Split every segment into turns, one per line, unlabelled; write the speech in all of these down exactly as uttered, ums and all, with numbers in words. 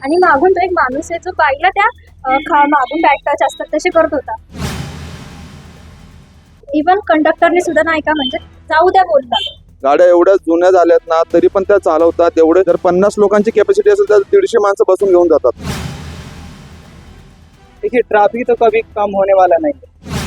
आणि मागून तो एक माणूस आहे जो बाईला त्या अ, खा- मागून बॅग टच असतात तसे करत होता. इवन कंडक्टरने सुद्धा नाही का म्हणजे जाऊ द्या बोलता.
गाड्या एवढ्या जुन्या झाल्यात ना तरी पण त्या चालवतात. एवढे जर पन्नास लोकांची कॅपॅसिटी असेल तर दीडशे माणसं बसून घेऊन जातात.
देखिए ट्रैफिक तो कभी कम होने वाला नहीं है।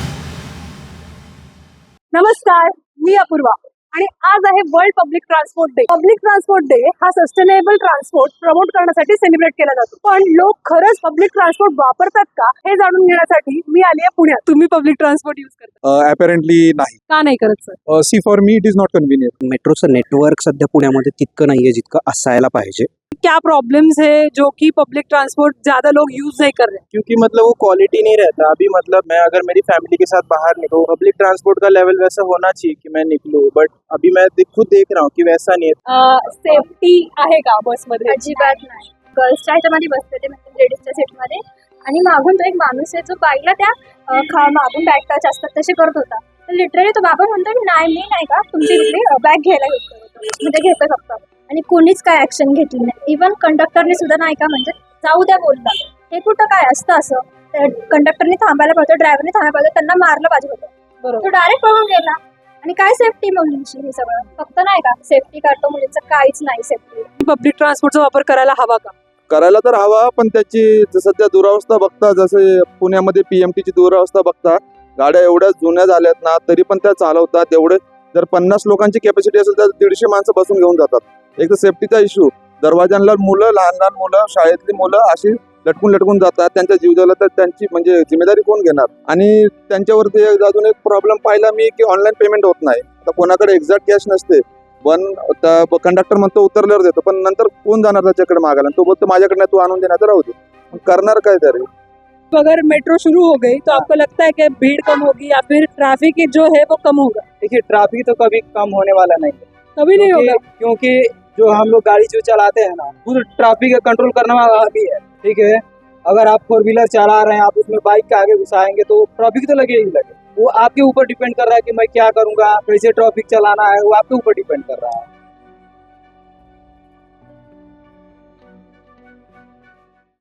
नमस्कार, मी अपूर्वा आणि आज आहे world public transport day. Public transport day हा सस्टेनेबल ट्रान्सपोर्ट प्रमोट करण्यासाठी सेलिब्रेट केला जातो. पण लोक खरंच पब्लिक ट्रान्सपोर्ट वापरतात का हे जाणून घेण्यासाठी मी आली आहे पुण्यात. तुम्ही पब्लिक ट्रान्सपोर्ट यूज करता
अपॅरेंटली नाही.
का नाही करत sir?
See for me it is not convenient.
मेट्रोचं नेटवर्क सध्या पुण्यामध्ये तितकं नाहीये जितकं असायला पाहिजे.
क्या प्रॉब्लम्स है जो कि पब्लिक ट्रांसपोर्ट ज्यादा लोग यूज नहीं कर रहे?
क्योंकि मतलब वो क्वालिटी नहीं रहता। अभी मतलब मैं अगर मेरी फैमिली के साथ बाहर निकलूं तो पब्लिक ट्रांसपोर्ट का लेवल वैसा होना चाहिए कि मैं निकलूं, बट अभी मैं दे- खुद देख रहा हूँ कि वैसा नहीं है।
सेफ्टी आहे का बसमध्ये?
अजिबात नाही. गर्ल्सच्या ह्याच्यामध्ये बसते ते म्हणजे लेडीजच्या सीटमध्ये आणि मागून तो एक माणूस आहे जो बाईला त्या अ, खा- मागून बॅग टच असतात तसे करत होता. तर लिटरली तो बाबा म्हणतो की नाही मी नाही का तुमची बॅग घ्यायला हेल्प करत होतो. म्हणजे घेतो फक्त आणि कोणीच काय ऍक्शन घेतली नाही. इवन कंडक्टरने सुद्धा नाही का म्हणजे जाऊ द्या बोलता. हे कुठं काय असतं असं? कंडक्टरने थांबायला पाहिजे, ड्रायव्हरने थांबायला पाहिजे, त्यांना मारलं पाहिजे होतं.
बरोबर.
तो डायरेक्ट पळून गेला. आणि काय सेफ्टी मुलींची हे सगळं फक्त नाही का सेफ्टी करतो मुलींचं काहीच नाही सेफ्टी.
पब्लिक ट्रान्सपोर्टचा वापर करायला हवा का?
करायला तर हवा, पण त्याची ज- सध्या दुरावस्था बघता, जसे पुण्यामध्ये पीएमटीची दुरावस्था बघता, गाड्या एवढ्या जुन्या झाल्यात ना तरी पण त्या चालवतात. एवढे जर पन्नास लोकांची कॅपॅसिटी असेल तर दीडशे माणसं बसून घेऊन जातात. एक तर सेफ्टीचा इश्यू, दरवाजांना मुलं, लहान लहान मुलं, शाळेतली मुलं अशी लटकून लटकून जातात. त्यांच्या जीव झाला तर त्यांची म्हणजे जिम्मेदारी कोण घेणार? आणि त्यांच्यावरती एक- अजून एक प्रॉब्लेम पाहिला मी की ऑनलाईन पेमेंट होत नाही. आता कोणाकडे एक्झॅक्ट कॅश नसते, पण कंडक्टर म्हणतो उतरल्यावर देतो, पण नंतर कोण जाणार त्याच्याकडे मागायला? तो बोलतो माझ्याकडे तू आणून देणार, तर राहू दे. मग करणार काय तरी?
अगर मेट्रो शुरू हो गई तो आपको लगता है कि भीड़ कम होगी या फिर ट्रैफिक जो है वो कम होगा?
देखिए ट्रैफिक तो कभी कम होने वाला नहीं है।
कभी नहीं होगा.
क्योंकि क्योंकि जो हम लोग गाड़ी जो चलाते हैं ना, खुद ट्रैफिक का कंट्रोल करना भी है। ठीक है, अगर आप फोर व्हीलर चला रहे हैं, आप उसमें बाइक के आगे घुसाएंगे तो ट्रैफिक तो लगे ही लगे। वो आपके ऊपर डिपेंड कर रहा है कि मैं क्या करूंगा, कैसे ट्रैफिक चलाना है, वो आपके ऊपर डिपेंड कर रहा है।